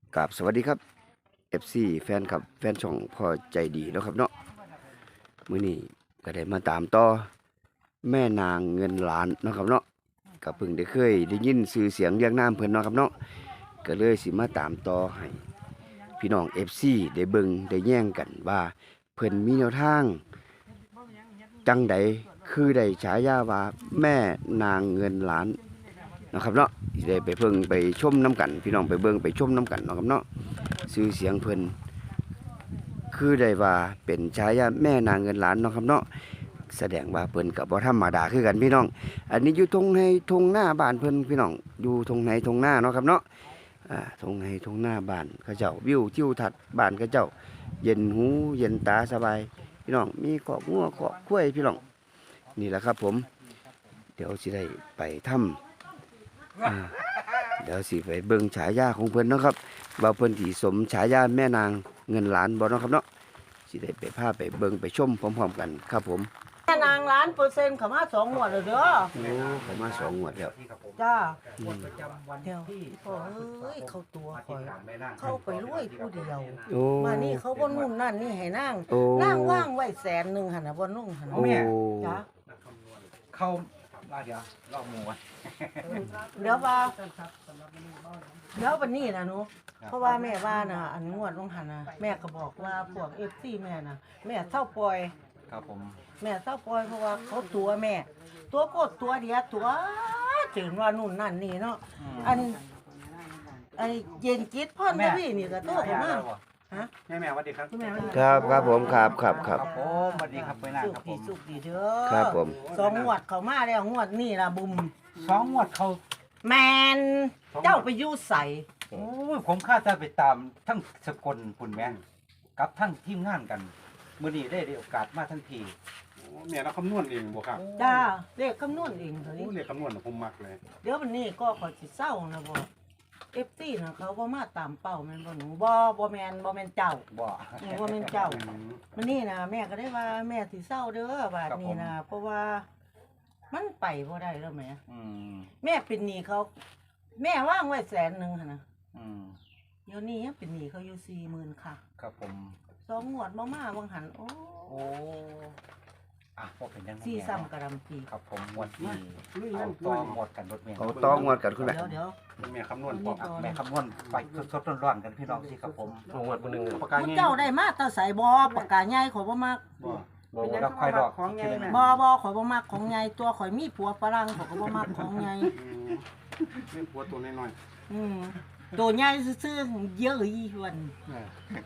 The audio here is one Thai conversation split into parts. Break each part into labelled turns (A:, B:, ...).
A: กับสวัสดีครับ FC แฟนครับแฟนช่องพอใจดีแล้วครับเนาะมื้อนี้ก็ได้มาตามต่อแม่นางเงินล้านเนาะครับเนาะก็เพิ่งได้เคยได้ยินชื่อเสียงเรียงนามเพิ่นเนาะครับเนาะก็เลยสิมาตามต่อให้พี่น้อง FC ได้เบิ่งได้แย่งกันว่าเพิ่นมีแนวทางจังใดคือได้ฉายาว่าแม่นางเงินล้านนะครับเนาะสิได้ไปเพิ่งไปชมน้ำกันพี่น้องไปเบิ่งไปชมน้ำกันเนาะครับเนาะชื่อเสียงเพิ่นคือได้ว่าเป็นฉายาแม่นางเงินล้านเนาะครับเนาะแสดงว่าเพิ่นก็บ่ธรรมดาคือกันพี่น้องอันนี้อยู่ทงหน้าบ้านเพิ่นพี่น้องอยู่ทงหน้าเนาะครับเนาะทงหน้าบ้านเขาเจ้าวิวทิวทัศน์บ้านเขาเจ้าเย็นหูเย็นตาสบายพี่น้องมีคอกงัวคอกควายพี่น้องนี่แหละครับผมเดี๋ยวสิได้ไปถ้ำเดี๋ยวสิไปเบิ่งฉายาของเพิ่นเนาะครับว่าเพิ่นสิสมฉายาแม่นางเงินล้านบ่เนาะครับเนาะสิได้ไปพาไปเบิ่งไปชมพร้อมๆกันครับผม
B: แม่นาง1,000,000%เขามา2งวดแล้วเด้อ
A: โอ้เขามา2งวดแล้ว
B: จ้า
A: อืม
B: เดี๋ยวพ่อเอ้ยเขาตัวข่อยเข้าไปรวยผู้เดียว
A: โอ้
B: มานี่เขาบ่นุ่นนั่นนี่ให้นาง
A: โอ้
B: นางว่างไว้100,000หั่นน่ะบ่นุ่งหั่น
A: โอ้
B: จ้า
C: เข้าเดี๋ยวรอบหมู่
B: เดี๋ยวว่าเดี๋ยววันนี้นะหนูเพราะว่าแม่ว่าน่ะอันงวดลงหันน่ะแม่ก็บอกว่าพวก FC แม่น่ะแม่เศร้าปล่อย
C: ครับผม
B: แม่เศร้าปล่อยเพราะว่าเขาตัวแม่ ตัวโคตรตัวเดียวตัวถึงว่านู่นนั่นนี่เนาะอันไอเย็นจิตพ่อนพี่นี่ก็โตขึ้นมาฮะ
C: แม่สวัสดีครับ
B: คุณแม่ว่า
A: ครับผมครับ
C: ผมสวัสดีครับไปหน้า
B: สุข
C: ครับผ
B: ดี
C: ม
B: สุขดีเด้อ
A: ครับผม
B: สองงวดเขามาแล้วงวดนี่ล่ะบุม
C: 2 งวดเขา
B: แมนเจ้าไปอยู่ใส
C: โอ้ยผมคาดจะไปตามทั้งสกลปุ่นแม่นกับทั้งทีมงานกันมื้อนี้ได้โอกาสมาทั้งที
D: แม่เราคำนวณเองบ่ครับ
B: จ้าเลขคำนวณเองเท่านี้
D: โอ้เรียกคำนวณน่ะผมมักเลย
B: เดี๋ยววันนี้ก็ขอยสิเศร้านะบ่FC น่ะเขาบ่มาตามเป้าแม่นบ่หนูบ่แม่นเจ้า
C: บ่
B: บ่แม่นเจ้า
D: อืม
B: มันนี่นะแม่ก็ได้ว่าแม่สิเศร้าเด้อบาดนี้นะเพราะว่ามันไปบ่ได้แล้วแหม่
C: อืม
B: แม่เป็นหนี้เขา แม่ว่างไว้100,000หั่นน่ะ
C: อืม
B: เดี๋ยวนี้ยังเป็นหนี้เขาอยู่40,000ค่ะ
C: ครับผม
B: สองงวดบ่มาวังหันโอ้
C: โอ้บ่เป็นยังไง
B: สี่ซ้ำกระดำปี
C: ครับผมงวดนี้เอาต่อหมดกันรถแม่
A: เขาต้องงวดกันคุณแม่
B: เดี๋ยว
D: แม่คำนวณพร้อม
C: แม่คำนวณไปสดๆร้อนๆกันพี่น้องสิครับผม
D: เอางวดมื้อนึงปาก
B: ๆ
D: กา
B: ผู้
D: ไง
B: เจ้าได้มาแตาใส่บ่ปากกาใหญ่ขอยบ่มัก
D: บ่
C: บ่รับค่อยดอก
B: บ่ข่อยบ่มักของใหญ่ตัวข่อยมีผัวฝรั่งข่อยก็บ่มักของใหญ่
D: อืมเล่นหัวตัวน้อย
B: อืมตัวใหญ่ซื่อๆเยอะอีหวน
D: ๆเออ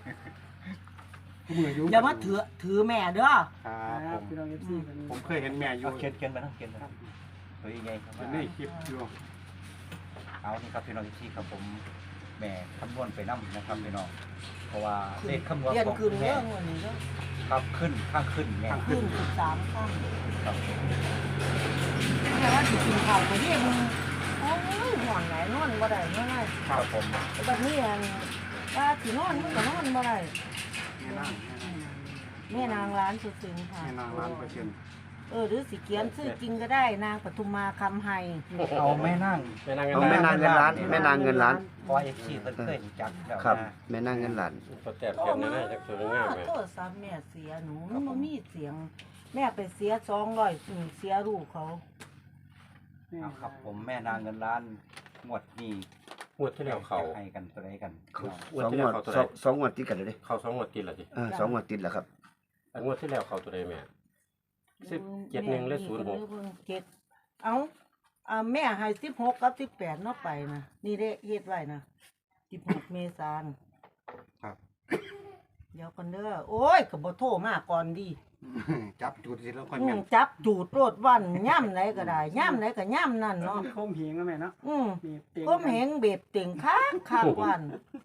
D: มืออยู่
B: อย่ามาถือแม่เด้อ
D: ครับผมเคยเห็นแม่อยู่
C: เอาเขียนไปนะเขียนไปนะตัวยังไงครับ
D: เป็นในคลิปอยู่
C: เอานี่ครับพี่น้องที่ครับผมแม่คำนวณไปนํนะครับพี่น้องเพราะว่าเลขคำนวณ
B: เรียน
C: ของ
B: คืน
C: แม่
B: เรื่องวันนี้เด้อ
C: ครับขึ้นข้างขึ้นแม่
B: คืน13ครั้ง
C: ครับ
B: แต่ว่าสิกินข้าวก็เรียกมึงโอ้ยห่อนไหนนอนบ่ได้เมื่อไหร่
C: ครับผม
B: บัดนี้อันว่าสินอนมันก็นอนบ่ได้
D: แม่นาง
B: แม่นางร้านสุดซึ้งค่ะ
D: แม่นางล้านเปอร์เซ็นต์
B: หรือสิเขียนชื่อจริงก็ได้นางปทุมมาคำไฮ
C: เอาแม่นั่ง
A: เอาแม่นางเงินล้านแม่นางเงินล้าน
C: พอเอฟซีเพิ่นเคยรู้จักแล้ว
A: ครับ
C: นะ
A: แม่นางเงินล้าน
E: ก็แตบเก็บในหน้าจากสวยงามเลย
B: โทษซ้ำแม่เสียหนูมันบ่มีเสียง แม่ไปเสีย200เสียลูกเขา
C: เอาครับผมแม่นางเงินล้านงวดนี้
E: งวดที่แล้วเขา
C: ให้กันตัวใดกัน
E: งวด
A: สอง
E: ที่
A: ง
E: แล้ว ว
A: ด
E: เขาตัว
A: ส
E: ใด
A: องสองงวดติดกันเลยเด้
E: เขา2 งวดติดละจิ
A: 2งวดติดแล้วครับ
E: อันงวดที่แล้วเขาตัวใดแม่17-1และ06
B: เจ็ดเอาแม่ให้16กับ18เนาะไปนะนี่เด้เฮ็ดไว้นะ16เมษายน
D: ครับ
B: เดี๋ยวก่อนเด้อโอ้ยก็บ่โทรมาก่อนดี
D: จับจุดสิแล้วค่อยแม่น
B: จับจูดโลดวันย่ำไหนก็ได้ย่ำไหนก็ย่ำนั่นเนาะ
F: โคมเหงนะแม่เนาะ มีเตียง
B: ก็เหงเบ็ดเต่งค้างข้างวัน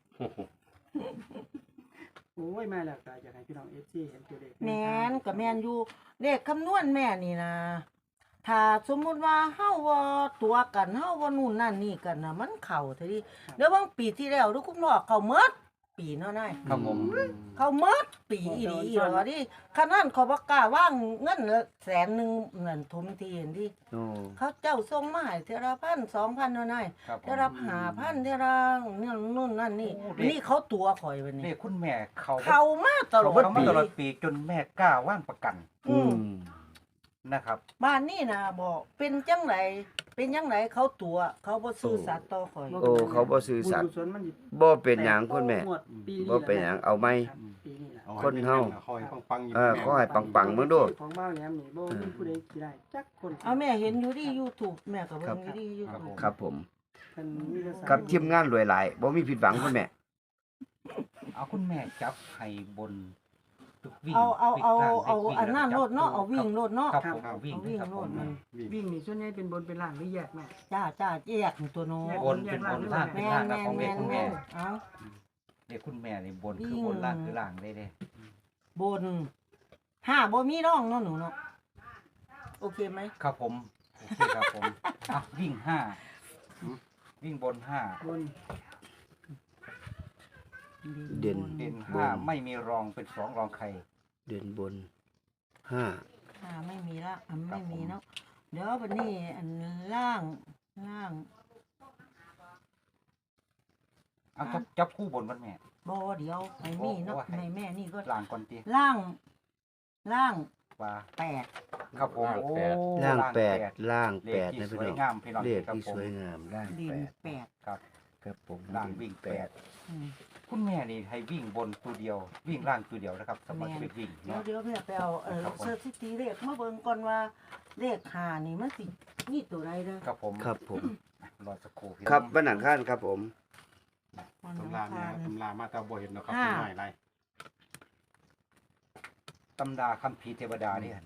F: โอ้ยแม่หลักตาอยากให้พี่น้องเอฟซีเห็นตัวเลข
B: แม่นกับแม่นอยู่เลขคำนวณแม่นี่นะถ้าสมมุติว่าเฮาว่าตัวกันเฮาว่านู่นนั่นนี่กันนะมันเข้าเท่านี้เดี๋ยวบางปีที่แล้วทุกคุณพ่อเข้าหมดปีเนาะนาย
C: ครับผม
B: เขาหมดปีอีหลีอีหรอดิขนาดเขาบ่กล้าว่างเงิน100,000นั่นทุมทีเห็นดิ
A: โอ้
B: เขาเจ้าส่งมาให้เท่าละ1,000 2,000เนาะนาย
C: ครับผม
B: เท่าละ5,000เท่าละนี่นู่นนั่นนี่
C: โอ้เด็ก
B: นี่เขาตัวข่อยบัด
C: นี่
B: นี้
C: คุณแม่เขา
B: เขามาตลอด
C: เขามาตลอดปีจนแม่กล้าว่างประกัน
B: อืม
C: นะครับ
B: บ้านนี่นะบอกเป็นจังไหนเป็นจังไหนเขาตัวเขาบ่ซื่อสัตย์ต่อข่อย
A: โอ้เขาบ่ซื่อสัตย์
F: บุญกุศลมันสิ
A: บ่เป็นหยังคุณแม่
F: หมดปี
A: บ่เป็นหยังเอาไหม
F: ครับปีนี้ล่ะ
A: คนเฮา
D: คอยปังๆอยู่
A: ขอให้ปังๆมึงดู
F: ของบ้านแหลมนี่บ่มีผู้ใดสิได้จักคน
B: เอาแม่เห็นอยู่ที่ YouTube แม่ก็เบิ่งอยู่ที่ YouTube
A: ครับผม
F: เพิ่นมีแต่สาย
A: ครับทีมงานรวยหลายบ่มีผิดหวังคุณแม่
C: เอาคุณแม่จับให้บนวิ่ง
B: เอา
C: วิ่ง
B: อันนั้น
C: จับ
B: โลดเนาะเอาวิ่งโลดเนาะ
C: ครับผมวิ่ง
B: เอาวิ่ง
C: ครับ
B: โล
C: ผ
B: ด
C: ม
B: มัน
F: วิ่งนี่ส่วนใหญ่เป็นบนเป็นล่างหรือแยกแม่
B: จ้าแยกตัวโน้
C: บนเป็นบนล่างเป็น
B: แม่
C: ล่างนะ
B: แม่
C: ของเด็
B: แม่
C: กคุณแม่
B: เอา
C: เด็กคุณแม่นี่บนคือบนล่างคือล่างได้เด้
B: บน5บ่มีร่องเนาะหนูเนาะโอเคไหม
C: ครับผมโอเคครับผมอ่ะวิ่งวิ่งบน5
F: บน
A: เด่น
C: เด่น
A: บน
C: 5ไม่มีรองเป็น2รองใคร
A: เด่นบนห้า
B: ไม่มีละอันไม่มีเนาะเดี๋ยวบัดนี้อันล่าง
C: เอาจับคู่บนมันแม่
B: บ่เดี๋ยวให้มีเนาะให้แม่นี่ก็
C: ล่างก่อนตี
B: ล่าง
C: ว่า
B: 8
C: ครับผมโอ้
A: ล่างแปด
C: 8
A: ล่าง
C: เล
A: แป
C: ข
A: ด
C: ที่
A: นะ
C: ส
A: พี่
C: วย
A: น้อง
C: งามพี่น้อง
A: เลข
C: ครับ
A: ที่
C: ผม
A: สวยงามล่าง
B: ดิน
A: แปด
B: 8
C: ครับ
A: ครับผม
C: ล่างวิ่ง8
B: อืม
C: คุณแม่นี่ให้วิ่งบนตัวเดียว วิ่งล่างตัวเดียวนะครับสำหรับชีวิตวิ่ง
B: เดี๋ยว
C: เนาะ
B: เดี๋ยวแม่ไปเอา
C: ครับผม
B: สถิติเลขมาเบิ่งก่อนว่าเลข5นี่มันสิมีตัวใดเด้อ
C: ครับผม
A: ครับผม
C: รอสักครู่พี่
A: ครับ
C: น้อง
A: วันอังคารครับผม
B: วัน
D: ตำ
B: อัง
D: ราเนี่ย
B: คาร
D: ตำรามาตาบ่เห็นเนาะครับ
B: ห้า
D: เป็นหน่อยไร
C: ตำดาคัมภีร์เทวดาเนี่ย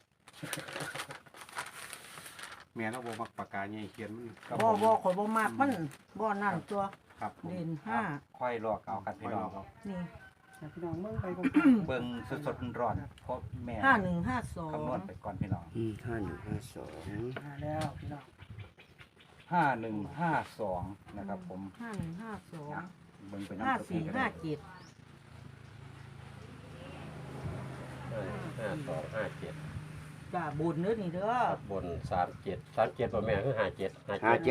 D: แม่เราบ่มักปากกาใหญ่เขียนมัน
C: ครับ
B: บ่
C: ผม
B: บ่ข่อยบ่มักมันบ่นั่นตัว
D: ครับผม
B: เด่น
C: ค่อยลอกเอากันพี่น้อง
B: 5นี่
F: ให้พี่น้องเบิ่งไปก่อน
C: เบิ่งสดๆร้อนๆเพราะแม่ คำนวณ
B: 5152
C: ไปก่อนพี่น้อง
A: 5152
F: มาแล้วพี่น้อง
C: 5152นะครับผม
B: 5152
C: เบิ่งไปน้ำตัวพี่ก็ได้
B: 5457
E: 5257
B: จ้าบุญเด้อนี่เด้อ
E: ครับบน37บ่แม่คือ57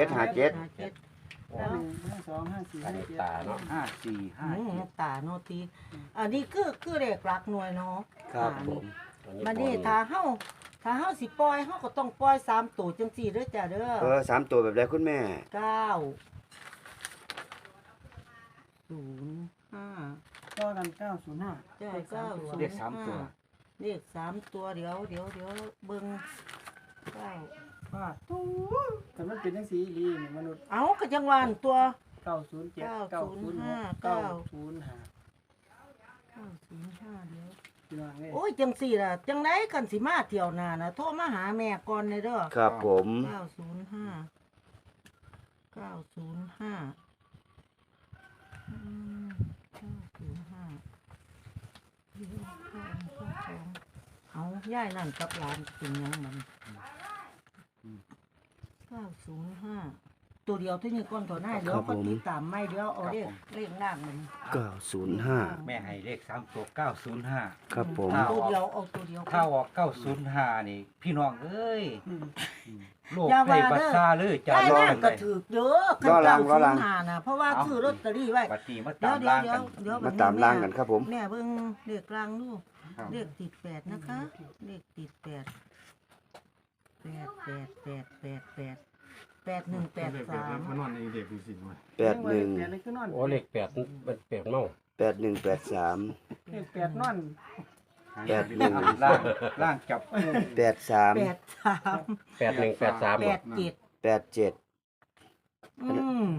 F: แล้ว1 5 2 5 4
E: อัน
F: 5
E: นี้
F: 7
E: ตาเนาะ
B: ตาโนตีอันนี้คือเลขหลักหน่วยเนาะ
A: ครับผม
B: มันนี่ถ้าเฮาสิปล่อยเฮาก็ต้องปล่อย3ตัวจังซี่เด้อจ้าเด้อ
A: สามตัวแบบใดคุณแม่
B: 9 05
F: ต่อกัน905
B: จ้า
C: เรียกสามตัว
B: เลข3ตัวเดี๋ยวเบิ่ง9
F: ฟาดแต่มันเป็นจังซี่อีหลีนี่มนุษย์
B: เอาก็จังหวานตัว
F: 907 905 905
B: 905เดี๋ยว
F: พี่น้องเอ้ย
B: โอ้ยจังสี่ล่ะจังไดกันสิมาเที่ยวหน้าน่ะโทรมาหาแม่ก่อนเลยเด้อ
A: ครับผม
B: 905 อืม905เอาย่ายนั่นกับหลานเป็นหยังมัน905ตัวเดียวเที่นี่ก้อนต่อหน้าเดี๋ยวก็ติดตามไม่เดี๋ยวเอาเลขล่างมัน
A: 905
C: แม่ให้เลข3ตัว905
A: ครับผม
B: ตัวเดียวเอาตัวเดียว
C: ถ้าออก905นี่ พี่น้องเอ้ย
F: อืม
C: โลกได้บัตรซาเลยจะ
B: ได้
C: ร้อ
B: มาง ก
C: เล
B: ก็
C: ย
B: ถือเยอะกันเก้าศูนย์ห้านะเพราะว่าซื้อลอตเตอรี่ไว้
C: บัตรนี้มา
B: เดี๋ย
C: ตาว ม
B: เดี๋ยว
C: ล่าง
B: เดี๋ย
C: กั
B: วน เดี๋ยว
A: มาตามล่างกันครับผม
B: แม่เบิ่งเลขกลางดู
D: ครับ
B: เลขติด8นะคะเลขติด8 8183
D: มันนอนในเด็กดูสิมัน
A: 81
F: นี่คือนอน
E: โอ้เลข8มัน8เมา
A: 8183
F: เลข8นอน
C: ล่างจับคู่
A: 83
E: 8183
B: 87
A: 87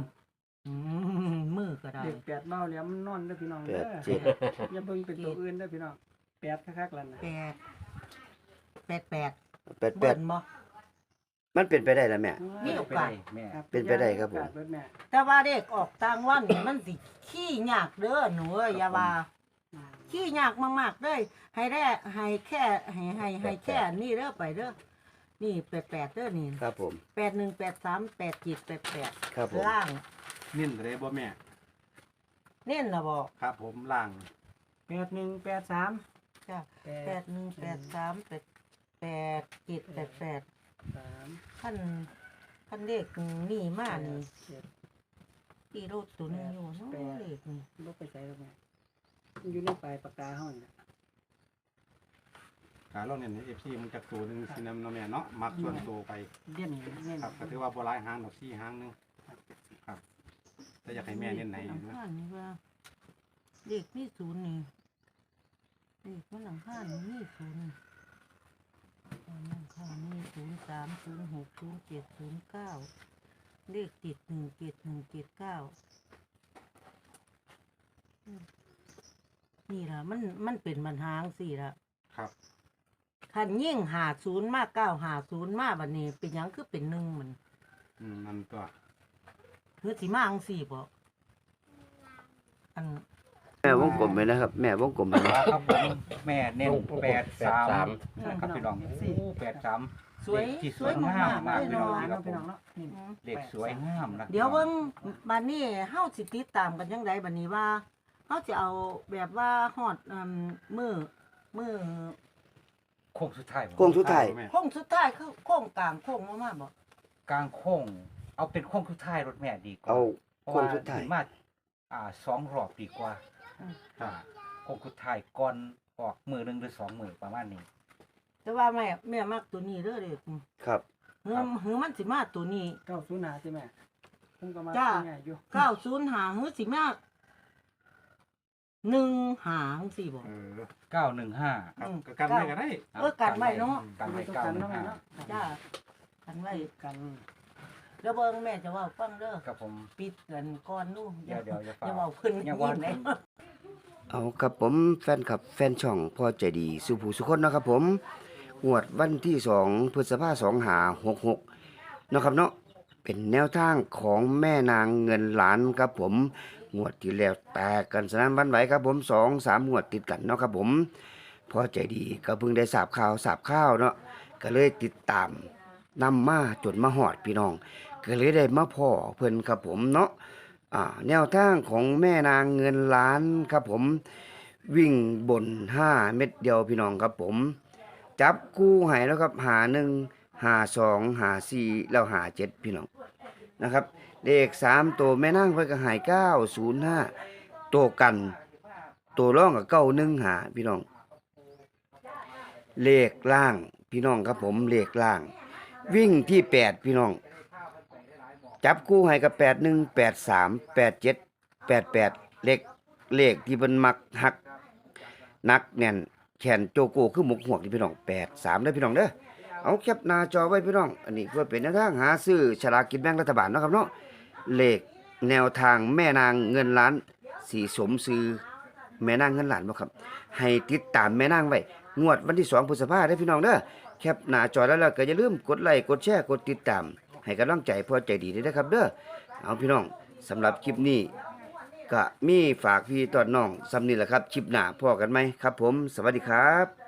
B: มือก็ได้
F: เลข8เมาแล้วมันนอนเด้อพี่น้องเด้อ
A: 87
F: อย่าเบิ่งเป็นตัวอื่นเด้อพี่น้อง8คักๆแล้วนะ
B: 88เบิ่
A: 88
B: นบ่
A: มันเป็นไปได้แล้วแม่
B: มีโอกาส
C: แม่
A: เป็นไปได้ครับผม
F: โอกาสเบิดแม่
B: แต่ว่าเลขออกต่างวันนี่มันสิขี้ยากเด้อหนูเอ้ยอย่าว่า ขี้ยากมากๆเลยให้แร่ให้แค่ให้แค่นี่เด้อไปเด้อนี่88เด้อนี่
A: ครับผม
B: 8183 8788
A: ครับผม
B: ล่าง
D: เน้นเลยบ่แม่
B: เน้นน่ะบ่
D: ครับผมล่าง
F: 8183
B: จ้ะ8183887888 ขั้นเลขนี่มานี่ตีรถตัวหนึงอยู่เนาะเลขนี่
F: บ่ไปใส่แล้วแม่มันอยู่ในปลายปากกาเฮานี่
D: การเราเนี่ยใน FC มันจักตัวหนึงสินำเนาะแม่เนาะมักส่วนตัวไป
F: เด่นเน้น
D: ครับก็ถือว่าบ่หลายหางดอก4หางหนึงครับแต่อยากให้แม่เน้นไหนอยู่นะ
B: ข้างนี่ว่าเลขมีศูนย์นี่เลขมันหลังข้างนี่มีศูนย์หลังข้างนี่03060709เลขติด17179นี่ล่ะมันเป็นปัญหาจังซี่ล่ะ
D: ครับ
B: คันยิ่ง50มา950มาบัดนี้เป็นหยังคือเป็น1มัน
D: นั่นตัว
B: คือสิมาจังซี่บ่อัน
A: แม่วงกลมไปนะครับ แม่วงกลมไปนะ
C: ครับผมแม่เน้น
E: วงกลม
C: 83
E: 83
C: นะครับพี่น้อง83
B: สวย
C: ที่
B: สวยมาก
C: มาก
B: เลย
C: พี่น้อง
B: เนาะ
C: ครับ
F: พี่น้องเนาะนี่
C: เลขสวยงามนะ
B: เดี๋ยวเบิ่งบัดนี้เฮาสิติดตามกันจังไดบัดนี้ว่าเฮาจะเอาแบบว่าฮอดมื้อ
C: โค้งสุดท้ายบ่
A: โค้งสุดท้าย
D: แม่
B: โค้งสุดท้ายคือโค้งกลางโค้งมาบ่
C: กลางโค้งเอาเป็นโค้งสุดท้ายรถแม่ดีกว่า
A: เอา
C: เพราะ
A: โค้
C: ว่าง
A: สุดท้าย
C: ถึงมา2 รอบดีกว่า
D: ครับ
C: โค้งสุดท้ายก่อนออกมือหนึงหรือ2มือประมาณนี้
B: แต่ว่าแม่มักตัวนี้เด้อเด้อ
A: ครับ
B: หือมันสิมาตัวนี้
F: 90หาใช่ไหมผมก็มา
B: จ้า
F: แม่อยู่
B: 905หือสิมา1หาจังซี่บ่
C: 915
D: ครับก็กันไว้ก็ได้
B: กันไว้เนาะ
C: กันไว้
F: ต้องกันเนาะแม่เนาะ
B: จ้ากันไว้
F: กัน
B: แล้วเบิ่งแม่จะเว้าฟังเด้อ
C: ครับผม
B: ปิดกันก่อนนู่น
C: เดี๋ยวอย่า
B: อย่า
C: เฝ้า
B: เว้าขึ้น
C: อย่าเว้า
B: เลย
A: เอาครับผมแฟนคลับแฟนช่องพ่อใจดีสุภูสุคนนะครับผมงวดวันที่2พฤษภาคม2566นะครับเนาะเป็นแนวทางของแม่นางเงินล้านครับผมงวดที่แล้วแตกกันสนั่นหวันไหวครับผม2-3งวดติดกันเนาะครับผมพ่อใจดีก็เพิ่งได้ทราบข่าวเนาะก็เลยติดตามนำมาจนมาฮอดพี่น้องก็เลยได้มาพ่อเพิ่นครับผมเนาะ แนวทางของแม่นางเงินล้านครับผมวิ่งบน5 เม็ดเดียวพี่น้องครับผมจับคู่ให้แล้วครับหา1หา2หา4แล้วหา7พี่น้องนะครับเลข3ตัวแม่นางเพิ่นก็ให้905ตัวกันตัวรองก็915หาพี่น้องเลขล่างพี่น้องครับผมเลขล่างวิ่งที่8พี่น้องจับคู่ให้กับ81 83 87 88เลขที่เพิ่นมักหักนักแน่นแขนโจโกคือหมกหวกนี่พี่น้อง83เด้อพี่น้องเด้อเอาแคปหน้าจอไว้พี่น้องอันนี้เพื่อเป็นแนวทางหาซื้อฉลากกินแบ่งรัฐบาลเนาะครับเนาะเลขแนวทางแม่นางเงินล้านสีสมซื้อแม่นางเงินล้านบ่ครับให้ติดตามแม่นางไว้งวดวันที่2พฤษภาคมเด้อพี่น้องเด้อแคปหน้าจอแล้วก็อย่าลืมกดไลค์กดแชร์กดติดตามให้กำลังใจพ่อใจดีด้วยนะครับเด้อเอาพี่น้องสำหรับคลิปนี้ก็มีฝากพี่ตอนน้องสำนี้แหละครับคลิปหน้าพ่อกันไหมครับผมสวัสดีครับ